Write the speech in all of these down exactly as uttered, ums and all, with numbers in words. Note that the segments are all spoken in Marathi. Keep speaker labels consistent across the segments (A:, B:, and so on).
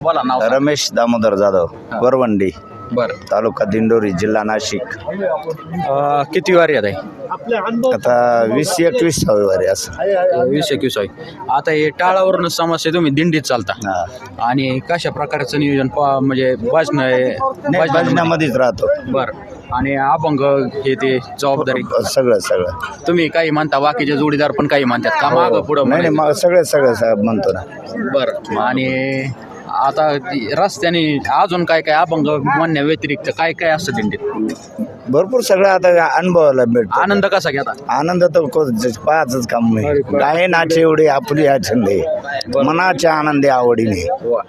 A: बोला नाव.
B: रमेश दामोदर जाधव, वरवंडी,
A: बर
B: तालुका दिंडोरी, जिल्हा नाशिक.
A: किती वारी आहे
B: आता वीस एकवीस वारी असं.
A: वीस एकवीस आहे. आता हे टाळावरून समस्या तुम्ही दिंडीत चालता
B: हा.
A: आणि कशा प्रकारचं नियोजन प- म्हणजे भाजन
B: नाही, भजनामध्येच राहतो.
A: बर आणि अभंग हे ते जबाबदारी
B: सगळं सगळं.
A: तुम्ही काही म्हणता बाकीचे जोडीदार पण काही म्हणतात का माग पुढं
B: नाही नाही, मग सगळं सगळं सगळं म्हणतो ना.
A: बर आणि आता ती रस्त्याने अजून काय काय अभंग म्हणण्या व्यतिरिक्त काय काय असतं दिंडीत
B: भरपूर सगळं आता अनुभवायला भेटतो.
A: आनंद कसा घेता
B: आनंद तर को- पाहायचंच काम नाही. गाय नाचे एवढी आपली छंदे मनाच्या आनंदी आवडीने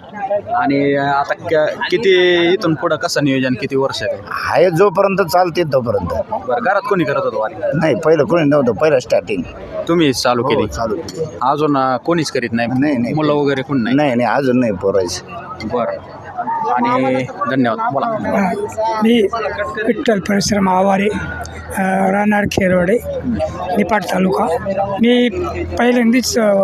A: आणि आता क- किती इथून पुढं कसं नियोजन किती वर्ष आहे
B: आहे जोपर्यंत चालते तोपर्यंत.
A: बरं घरात कोणी करत होतं वारी
B: नाही, पहिलं कोणी नव्हतं, पहिलं स्टार्टिंग
A: तुम्ही चालू केली
B: चालू.
A: अजून अं, कोणीच करीत नाही
B: नाही, नाही.
A: मुलं वगैरे कोणी नाही
B: नाही नाही, अजून नाही पोरायचं.
A: बरं आणि धन्यवाद बोला.
C: मी विठ्ठल परिश्रम आवारे, अ, राहणार खेरवडे, निपाट तालुका. मी पहिल्यांदाच अ,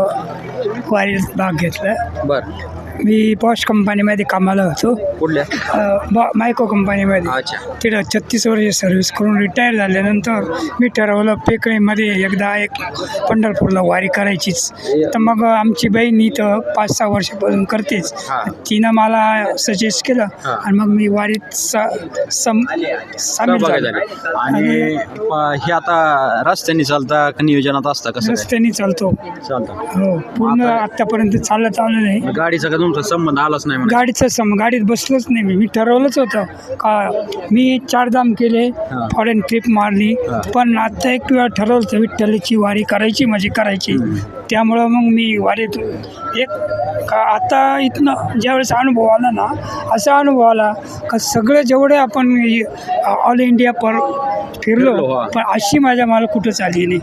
C: वारीत भाग घेतला.
A: बरं
C: मी बॉश कंपनीमध्ये कामाला होतो,
A: कुठल्या
C: अ, बॉ मायको कंपनीमध्ये.
A: अच्छा
C: तिथं छत्तीस वर्ष सर्व्हिस करून रिटायर झाल्यानंतर मी ठरवलं पेकळीमध्ये एकदा एक पंढरपूरला वारी करायचीच. तर मग आमची बहीण इथं पाच सहा वर्षापासून करतेच.
A: हां.
C: तिनं मला सजेस्ट केलं
A: हां.
C: आणि मग मी वारीत सा सम सामील
A: सहभागी
C: झालो.
A: झाले. आणि अं, हे आता रस्त्याने चालता का नियोजनात असता कसं काय?
C: रस्त्याने चालतो.
A: चालतं
C: हो, पूर्ण आतापर्यंत चालत आलं नाही.
A: गाडीचा का तुमचा संबंध आलाच नाही म्हणा.
C: गाडीचं सम गाडीत बसलोच नाही मी. मी ठरवलंच होतं का मी चारधाम केले,
A: हां.
C: फॉरेन ट्रिप मारली,
A: हां.
C: पण आता एक वेळा ठरवलं होतं विठ्ठलाची वारी करायची, म्हणजे करायची. त्यामुळं मग मी वारीत एक का आता इथनं ज्यावेळेस अनुभव आला ना, असा अनुभव आला का सगळे जेवढे आपण ऑल इंडिया पर फिरलो,
A: फिरलो, हां.
C: पण अशी माझ्या मला कुठंच आली नाही.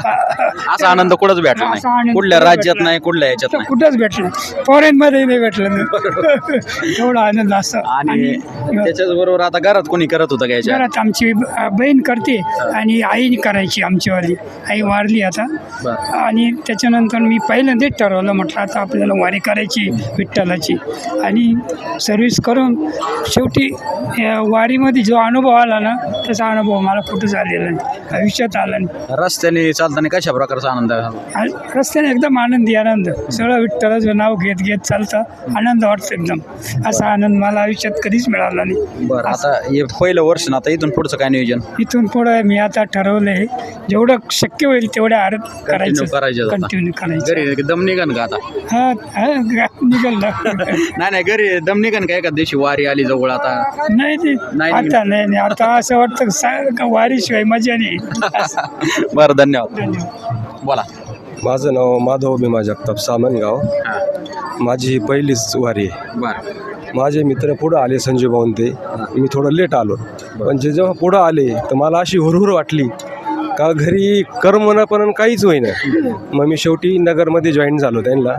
A: असा आनंद कुठंच भेटला
C: असा
A: नाही
C: आनंद
A: कुठल्या
C: कुठंच
A: राज्यात
C: भेटला
A: नाही कुठल्या याच्यात नाही.
C: कुठंच भेटलं नाही. फॉरेनमध्ये नाही भेटलं नाही. एवढा आनंद असं.
A: आणि त्याच्याच बरोबर आता घरात कोणी करत होतं का याच्या
C: घरात आमची ब- बहीण करते आणि आई करायची आमचीवाली. आई वारली आता.
A: बरं.
C: आणि त्याच्यानंतर मी पहिल्यांदाच ठरवलं, म्हटलं आता आपल्याला वारी करायची विठ्ठलाची. आणि सर्व्हिस करून शेवटी या वारीमध्ये जो अनुभव आला ना, तसा अनुभव मला कुठंच आलेला नाही, आयुष्यात आला नाही.
A: रस्त्याने चालताना कशा प्रकारचा आनंद आहे?
C: आणि रस्त्याने एकदम आनंदी आनंद, सगळं विठ्ठलाचं नाव घेत घेत चालतं, आनंद वाटतो एकदम. असा आनंद मला आयुष्यात कधीच मिळाला नाही.
A: बरं आता हे पहिलं वर्ष ना, आता इथून पुढचं काय नियोजन
C: इथून पुढं मी आता ठरवलं आहे, जेवढं शक्य होईल तेवढ्या आरत करायचं,
A: करायचं आता.
C: कंटिन्यू करायचं.
A: घरी दम निघन का आता?
C: हा हा निघाल ना.
A: नाही नाही घरी दम निघन का एका दिवशी वारी आली जवळ आता?
C: नाही ते
A: नाही,
C: आता नाही नाही आता असं वाटतं का सा- का वारीशिवाय मजा नाही. असं.
A: बरं धन्यवाद
C: धन्यवाद.
A: बोला.
D: माझं नाव माधव भीमा जगताप, सामनगाव.
A: हां.
D: माझी ही पहिलीच वारी आहे.
A: बरं
D: माझे मित्र पुढं आले, संजय भाऊन ते. मी थोडं लेट आलो, पण जे जेव्हा पुढं आले तर मला अशी हुरहुर वाटली का घरी करमणं पण काहीच होईना. मग मी शेवटी नगरमध्ये जॉईन झालो त्यांना.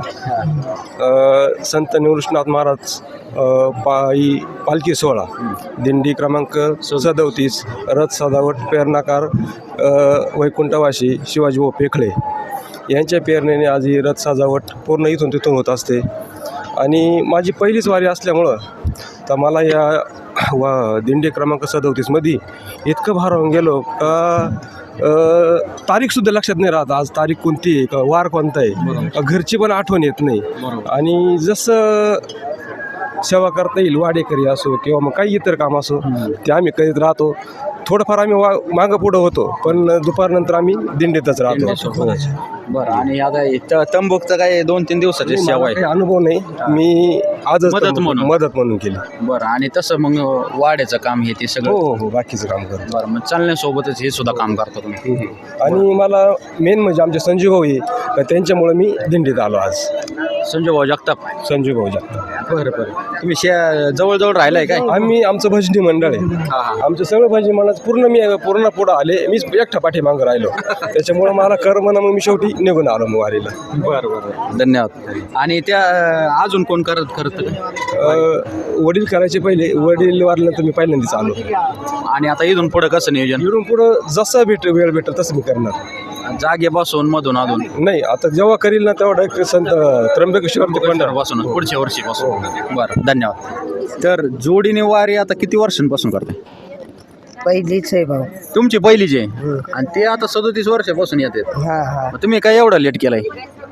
D: अ, संत निवृत्तीनाथ महाराज अ, पायी पालखी सोहळा, दिंडी क्रमांक सदोतीस, रथ सजावट प्रेरणाकार अ, वैकुंठवासी शिवाजीभाऊ पेखळे यांच्या प्रेरणेने आज ही रथ सजावट पूर्ण इथून तिथून होत असते. आणि माझी पहिलीच वारी असल्यामुळं तर मला या वा दिंडी क्रमांक सदोतीसमध्ये इतकं भारावून गेलो का अ, तारीखसुद्धा लक्षात नाही राहत, आज तारीख कोणती आहे, का वार कोणता आहे, घरची पण आठवण येत नाही. आणि जसं सेवा करता येईल, वाडेकरी असो किंवा मग काही इतर काम असो, ते आम्ही करीत राहतो. थोडंफार आम्ही वा मागं पुढं होतो, पण दुपारनंतर आम्ही दिंडीतच राहतो.
A: बरं आणि आता इथं तंबूकचं काय दोन तीन दिवसाची
D: मला
A: सेवा आहे?
D: काही अनुभव नाही, मी आजच
A: मदत म्हणून.
D: मदत म्हणून केली.
A: बरं आणि तसं मग वाड्याचं काम हे ते
D: हो
A: सगळं?
D: हो हो बाकीचं काम करतो.
A: बरं मग चालण्यासोबतच हे सुद्धा काम करता तुम्ही?
D: आणि मला मेन म्हणजे आमचे संजय भाऊ आहे, का त्यांच्यामुळे मी दिंडीत आलो आज.
A: संजय भाऊ जगताप.
D: संजय भाऊ जगताप.
A: बरं बरं तुम्ही शे जवळजवळ राहिलाय काय?
D: आम्ही आमचं भजनी मंडळ आहे.
A: हां हां
D: आमचं सगळं भजनी मंडळ पूर्ण मी पूर्ण पुढं आले, मीच एकटा पाठीमागं राहिलो. त्याच्यामुळं मला करमना, मग मी शेवटी निघून आलो मग वारीला.
A: बरं बरं धन्यवाद. आणि त्या अजून कोण करत करत
D: अ, वडील करायचे पहिले, वडील वारल्यानंतर मी पहिल्यांदाच आलो.
A: आणि आता इथून पुढं कसं नियोजन?
D: इकडून पुढं जसं भेट वेळ भेटेल तसं मी करणार.
A: जागे बसून मधून अधून
D: नाही आता जेव्हा करील ना तेव्हा डायरेक्ट संत त्र्यंबकेश्वर ते पंढरपूर
A: पासून पुढच्या वर्षीपासून बरं धन्यवाद. तर जोडीने वारी आता किती वर्षांपासून करते?
E: पहिलीच आहे भाऊ.
A: तुमची पहिलीची आहे आणि ते आता सदोतीस वर्षापासून येतात.
E: हा हा
A: मग तुम्ही काय एवढं लेट केलंय?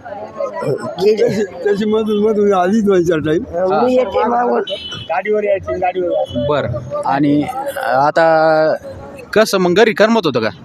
D: त्याची मधून मधून आधीच व्हायचा टाईम.
E: मी येते मागून.
C: गाडीवर यायची गाडीवर.
A: बरं. आणि आता कसं मग घरी करमत होतं का?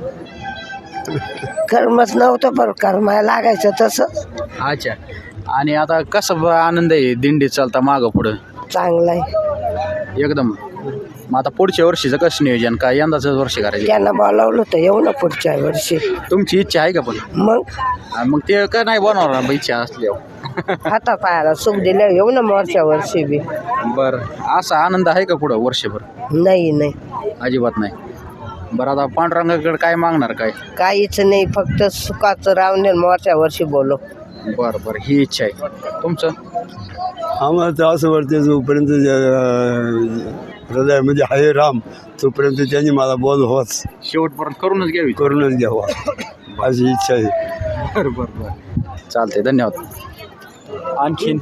E: कर्मच नव्हतं पण कर्माला लागायचं तसं.
A: अच्छा. आणि आता कसं ब- आनंद आहे दिंडी चालता मागं पुढं
E: चांगलं आहे.
A: एकदम. मग आता पुढच्या वर्षीचं कसं नियोजन काय यंदाच वर्ष करायचं?
E: त्यांना बोलावलं होतं येऊ ना पुढच्या वर्षी.
A: तुमची इच्छा आहे का पण?
E: मग
A: आणि मग ते काय नाही बनवणार ना इच्छा असल्यावर?
E: हाता पायाला सुख दिल्या येऊ ना मोरच्या वर्षी बी.
A: बरं. असा आनंद आहे का पुढं वर्षभर?
E: नाही नाही
A: अजिबात नाही. बरं आता पांडुरंगाकडे काय मागणार काय?
E: काहीच नाही, फक्त सुखाचं राहून मोरच्या वर्षी बोलो.
A: बरं बरं ही इच्छा आहे. तुमचं?
F: आम्हाला तर असं वाटतं जोपर्यंत हृदयामध्ये आहे राम तोपर्यंत त्यांनी मला बोल होच
A: शेवटपर्यंत करूनच घ्यावी.
F: करूनच घ्यावा अशी इच्छा आहे.
A: बरं बरं बरं चालते धन्यवाद. आणखीन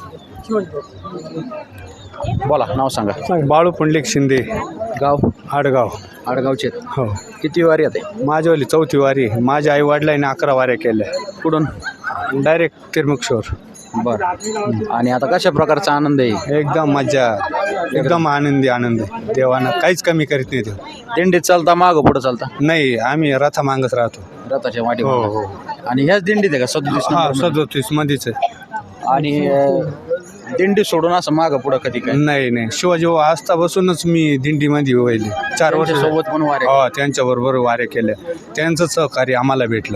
A: बोला नाव सांगा.
G: बाळू पुंडलिक शिंदे,
A: गाव?
G: आडगाव.
A: आडगावचे.
G: हो,
A: किती वारी येते?
G: माझ्यावाली चौथी वारी. माझ्या आई वडिलांनी अकरा वाऱ्या केल्या.
A: कुठून?
G: डायरेक्ट तिरमुक्षवर.
A: बरं. आणि आता कशा प्रकारचा आनंद आहे?
G: एकदम मजा, एकदम आनंदी आनंद. देवानं काहीच कमी करीत नाही. ते
A: दिंडीत चालता मागं पुढं चालता?
G: नाही, आम्ही रथा मागत राहतो.
A: रथाच्या वाटी.
G: हो हो.
A: आणि ह्याच दिंडीत आहे का सदतीस
G: हा,
A: नंबर मध्ये?
G: सदोतीस मध्येच आहे.
A: आणि अं, दिंडी सोडून असं मागं पुढं कधी काय?
G: नाही नाही, शिवाजी असता बसूनच मी दिंडीमध्ये वहिले चार वर्ष.
A: सोबत पण वारे?
G: हो, त्यांच्याबरोबर वाऱ्या केल्या. त्यांचं सहकार्य आम्हाला भेटलं.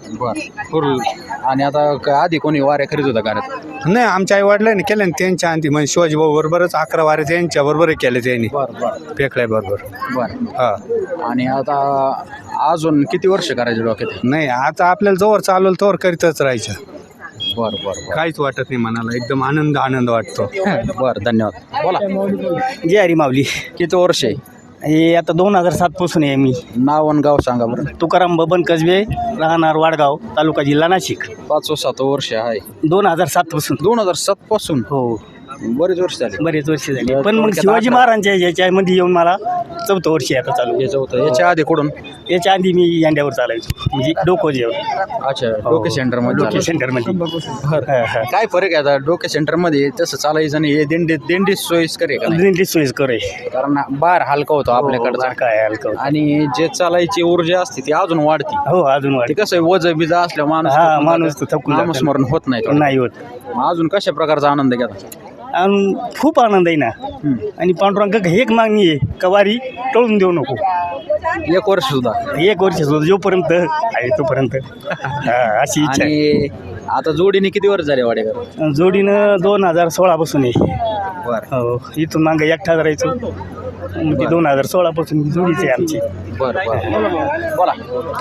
A: बरं. आणि आता क- आधी कोणी वाऱ्या करीत होता घरात?
G: नाही, आमच्या आई वडिलांनी केलं ना त्यांच्या अंती. म्हणजे शिवाजी भाऊ बरोबरच अकरा वाऱ्या त्यांच्या बरोबर केल्या त्यांनी.
A: बरं बरं
G: पेकळ्या बरोबर.
A: बरं.
G: हा.
A: आणि आता अजून किती वर्ष करायचे डोक्यात?
G: नाही, आता आपल्याला जोवर चालवलं तोवर करीतच राहायचं.
A: बरं बरं
G: काहीच वाटत नाही मनाला. एकदम आनंद आनंद वाटतो.
A: बरं बरं धन्यवाद. बोला.
H: जय हरी माऊली.
A: किती वर्ष आहे?
H: हे आता दोन हजार सात पासून आहे मी.
A: नाव आणि गाव सांगा बरं.
H: तुकाराम बबन कसबे, राहणार वाडगाव, तालुका जिल्हा नाशिक.
A: पाच सात वर्ष आहे.
H: दोन हजार सात पासून.
A: दोन हजार सात पासून?
H: हो,
A: बरेच वर्ष झाले.
H: बरेच वर्ष झाले. पण मग शिवाजी महाराजांच्या याच्यामध्ये येऊन मला चौथं वर्ष आहे आता चालू.
A: याचं होतं याच्या आधी कुठून?
H: याच्या आधी मी यांड्यावर चालायचो, म्हणजे डोको जेवण.
A: अच्छा. डोके सेंटरमध्ये
H: डोके
A: झालं.
H: सेंटरमध्ये.
A: बरं. काय फरक आहे आता डोके सेंटरमध्ये तसं चालायचं आणि हे दिंडी दिंडी सोयीस्कर आहे का नाही?
H: दिंडी सोयीस्कर आहे.
A: कारण बाहेर हलका होतो आपल्याकडचा.
H: काय हलकं.
A: आणि जे चालायची ऊर्जा असते ती अजून वाढते.
H: हो, अजून
A: ते
H: वाढ.
A: कसं आहे वज बिजा असल्या माणूस
H: हा,
A: थकून
H: माणूस
A: जातं.
H: तर थकून जातं.
A: नामस्मरण होत नाही थोडं.
H: नाही होत.
A: मग अजून कशा प्रकारचा आनंद घेता?
H: आणि खूप आनंद आहे ना. आणि पांडुरंग एक मागणी आहे का वारी टळून देऊ नको.
A: एक वर्ष सुद्धा?
H: एक वर्ष सुद्धा जोपर्यंत आहे तोपर्यंत. हा, अशी इच्छा आहे.
A: आणि आता जोडीने किती वर्ष झाले वाडेकर?
H: जोडीनं दोन हजार सोळा पासून आहे.
A: बरं
H: हो, इथून मागं एकटा राहायचो. मग ती दोन हजार सोळा पासून जोडीच आहे आमची.
A: बरं बरं बोला.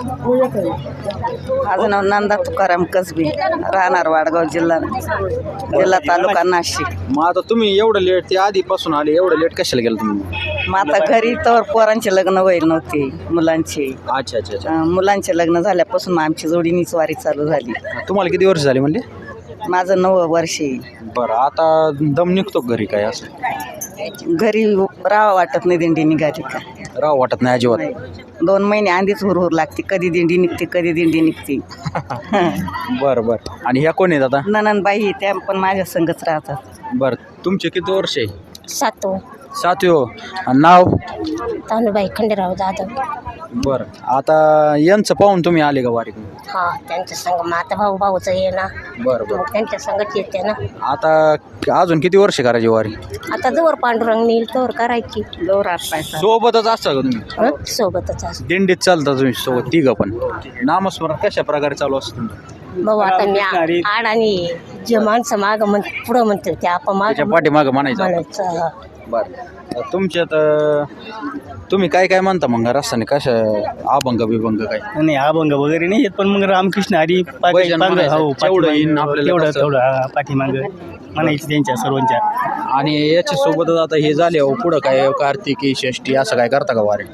E: माझं नाव नंदा तुकाराम कसबे, राहणार वाडगाव, जिल्हा जिल्हा तालुका नाशिक.
A: मग आता तुम्ही एवढं लेट ते आधीपासून आले एवढं लेट कशाला गेलं तुम्ही?
E: मग आता घरी तर पोरांचे लग्न व्हायला नव्हते, मुलांचे.
A: अच्छा अच्छा अच्छा.
E: अं, मुलांचे लग्न झाल्यापासून मग आमची जोडीनीच वारी चालू झाली.
A: तुम्हाला किती वर्ष झाली म्हणले?
E: माझं नवं वर्ष आहे.
A: बरं. आता दम निघतो घरी काय असं?
E: घरी राहावं वाटत नाही दिंडी निघाली का.
A: राव वाटत नाही अजिबात?
E: नाही. दोन महिने आधीच हुरहुर लागते, कधी दिंडी निघते कधी दिंडी निघते.
A: बरं बरं. आणि ह्या कोण आहेत आता?
E: ननंदबाई त्या पण माझ्या संगच राहतात.
A: बरं. तुमचे किती वर्ष आहे?
I: सातो.
A: सातवी हो. आणि नाव?
I: तानुबाई खंडेराव जाधव.
A: बरं. आता यांचं पाहून तुम्ही आले का वारी?
I: हा, त्यांच्या संग माता भाऊ भाऊचं आहे ना.
A: बरं बरं.
I: मग त्यांच्या संगत येते ना.
A: आता अजून किती वर्ष करायची वारी?
I: आता जवळ पांडुरंग नेईल तोवर करायची.
E: जोर हात पायचा.
A: सोबतच असता का तुम्ही?
I: हं? सोबतच असं.
A: दिंडीत चालता तुम्ही सोबत तिघं पण? नामस्मरण कशा प्रकारे चालू असतं तुमचं?
I: भाऊ आता मी आ- आड आणि जे माणसं मागं म्हण पुढं म्हणते ते आपण
A: त्याच्या
I: मागं
A: पाठीमागं म्हणायचं?
I: म्हणायचं.
A: बरं. तुमच्यात अं, तुम्ही काय काय म्हणता मग रस्त्याने कशा अभंग बिभंग काय?
H: नाही, अभंग वगैरे नाही येत, पण मग रामकृष्ण हरी पाठी-
A: भजन
H: पांग-
A: म्हणायचं.
H: हो,
A: जेवढं येईन
H: पाठीमागं-
A: आपल्याला
H: तेवढं
A: तसं.
H: तेवढं हा, पाठीमागं म्हणायचं त्यांच्या सर्वांच्या.
A: आणि याच्या सोबतच आता हे झाले हो पुढं काय कार्तिकी षष्टी असं काय करता का वारी?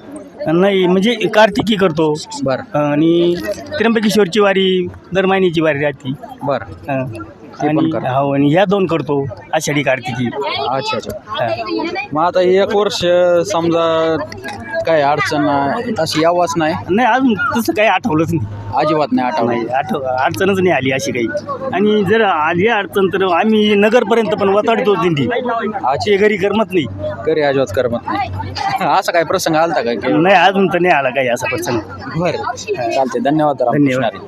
H: नाही म्हणजे कार्तिकी करतो
A: बरं
H: आणि त्र्यंबकेश्वरची वारी दर महिन्याची वारी राहते
A: बरं
H: हं.
A: पण
H: आणि
A: करतो.
H: हो आणि ह्या दोन करतो आषाढी कार्तिकी
A: अच्छा अच्छा
H: हं.
A: मग आता एक वर्ष समजा काय अडचण अशी यावाच नाही
H: नाही अजून तसं काही आठवलंच नाही
A: अजिबात नाही आठवलं
H: नाही आठव अडचणच नाही आली अशी काही आणि जर आली अडचण तर आम्ही नगरपर्यंत पण वताडतो दिंडी आजची घरी करमत नाही
A: घरी अजिबात करमत नाही असा काय प्रसंग आलता का की
H: नाही अजून तर नाही आला काही असा प्रसंग
A: बरं चालते धन्यवाद रामकृष्ण
H: धन्यवाद.
A: हरी.